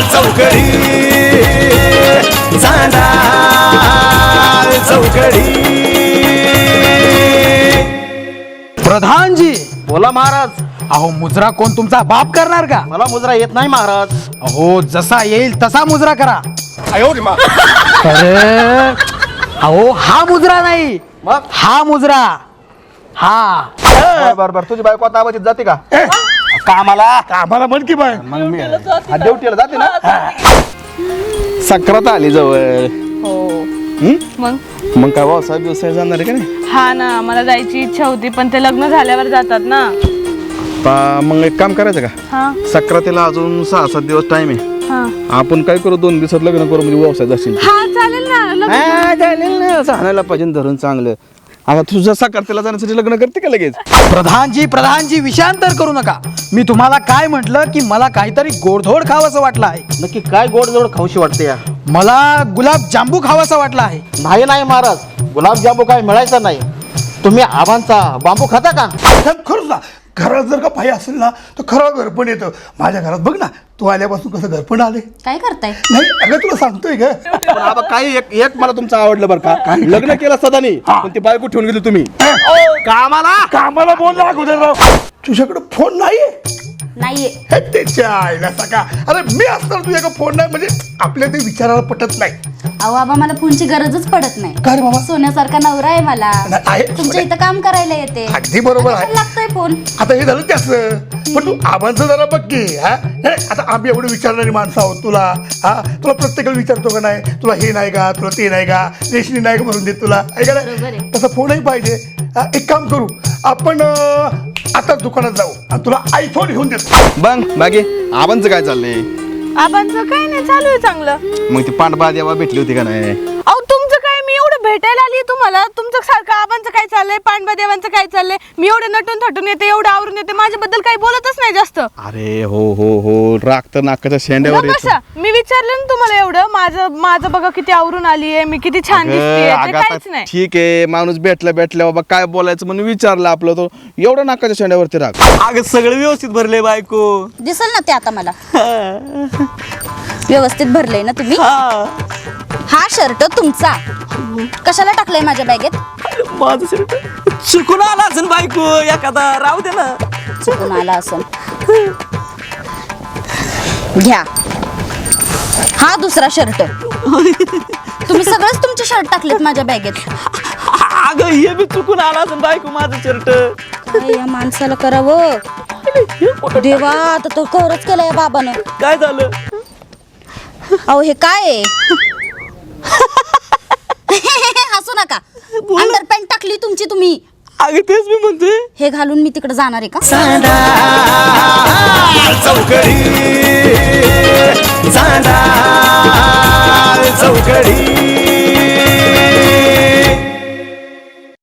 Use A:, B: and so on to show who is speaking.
A: चौकडी चांदा चौकडी.
B: प्रधानजी
C: बोला महाराज.
B: अहो मुजरा कोण तुमचा बाप करणार का?
C: मला मुजरा येत नाही महाराज.
B: अहो जसा येईल तसा मुजरा करा. अरे अहो हा मुजरा नाही
C: मग
B: हा मुजरा. हा
C: बरं तुझी बायको आता आवाजीत जाते का कामाला?
D: आम्हाला म्हण की बाय.
C: मग मी ड्युटीला जाते ना. सक्रात आली जवळ. मग काय व्यवसाय व्यवसाय जाणार आहे का नाही?
E: हा ना मला जायची इच्छा होती पण ते लग्न झाल्यावर जातात ना.
C: मग एक काम करायचं का?
E: हा
C: सक्रातीला अजून 6-7 दिवस टाइम आहे.
E: हा
C: आपण काय करू 2 दिवसात लग्न करू म्हणजे व्यवसाय जाशील.
E: हा चालेल ना लग्न.
C: चालेल ना सांगायला पाहिजे धरून चांगलं. आता तुझं सक्रातीला जाण्यासाठी लग्न करते का लगेच?
B: प्रधानजी विषयांतर करू नका. मी तुम्हाला काय म्हटलं की मला काहीतरी गोडधोड खावंसं वाटलं आहे.
C: नक्की काय गोड खाऊशी वाटते या?
B: मला गुलाब जांबू खावासा वाटला आहे.
C: नाही महाराज गुलाबजामू काय मिळायचा नाही. तुम्ही आबांचा बांबू खाता का?
D: खरंच ना घरात जर का पाय असेल ना तर खरं घरपण येतं. माझ्या घरात बघ ना तू आल्यापासून कसं घरपण आले.
F: काय करताय?
D: नाही अगं तुला सांगतोय ग.
C: पण आबा काही एक मला तुमचं आवडलं बरं का. लग्न केलं सदानी पण ती बायको ठेवून गेली तुम्ही
D: कामाला बोल ना अगोदर राव. तुझ्याकडे फोन नाहीये?
F: नाहीये.
D: हे त्याच्या आईला सका. अरे मी असताना तुझ्याकडे फोन नाही म्हणजे आपल्या ते विचारायला पटत नाही.
F: अहो आबा मला फोनची गरजच पडत नाही.
D: काय रे बाबा?
F: सोन्यासारखा नवरा आहे मला.
D: नाही, आहे.
F: तुमच्या इथं काम करायला येते.
D: अगदी बरोबर आहे.
F: लागतोय फोन.
D: आता हे झालं त्याच पण तू आबांचं जरा बघ की. हा आता आम्ही एवढं विचारणारी माणसं आहोत तुला. हा तुला प्रत्येकाला विचारतो का नाही तुला हे नाही का तुला ते नाही का रेशनी नाही का भरून देत तुला आहे का नाही. तसा फोनही पाहिजे. एक काम करू आपण आता दुकानात जाऊ आणि तुला आयफोन घेऊन देतो.
C: बंग बाकी आबांचं काय चाललंय?
E: आबांचं काय नाही चालू आहे चांगलं.
C: मग ती पांडबा देवा भेटली होती का नाही?
E: अहो तुमचं काय मी एवढं भेटायला आली तुम्हाला. तुमचं सारखं आबांचं काय चाललंय पांडवा देवांचं काय चाललंय. मी एवढं नटून थटून येते एवढं आवरून येते माझ्याबद्दल काही बोलतच नाही जास्त.
C: अरे हो राग तर नाकाच्या शेंड्यावर येतो.
E: कशा मी विचारलं ना तुम्हाला एवढं माझं बघा किती आवरून आलीये मी किती छान दिसते
C: अगं,
E: काहीच
C: आता
E: नाही.
C: ठीक आहे माणूस भेटल्या बाबा काय बोलायचं म्हणून विचारलं आपलं तो एवढं नाकाच्या शेंड्यावरती राग.
A: अगं सगळं व्यवस्थित भरले बायको.
F: दिसल ना ते आता मला. व्यवस्थित भरलंय ना तुम्ही? हा शर्ट तुमचा कशाला टाकलाय माझ्या बॅगेत?
A: माझं शर्ट चुकून आला असेल बायको एखादा राहू दे ना.
F: चुकून आला असेल. घ्या हा दुसरा शर्ट. तुम्ही सगळंच तुमचे शर्ट टाकलेत माझ्या बॅगेत.
A: अगं हे बी चुकून आला असेल बायको माझं शर्ट.
F: काय या माणसाला करावं देवा. आता तो खरंच केलाय बाबानं.
A: काय झालं?
F: अहो हे काय आहे? हसू नका. अंडरपॅन्ट टाकली तुमची तुम्ही.
A: अगं तेच मी म्हणतोय.
F: हे घालून मी तिकडे जाणार आहे का?
A: चांदा चौकडी चांदा चौकडी.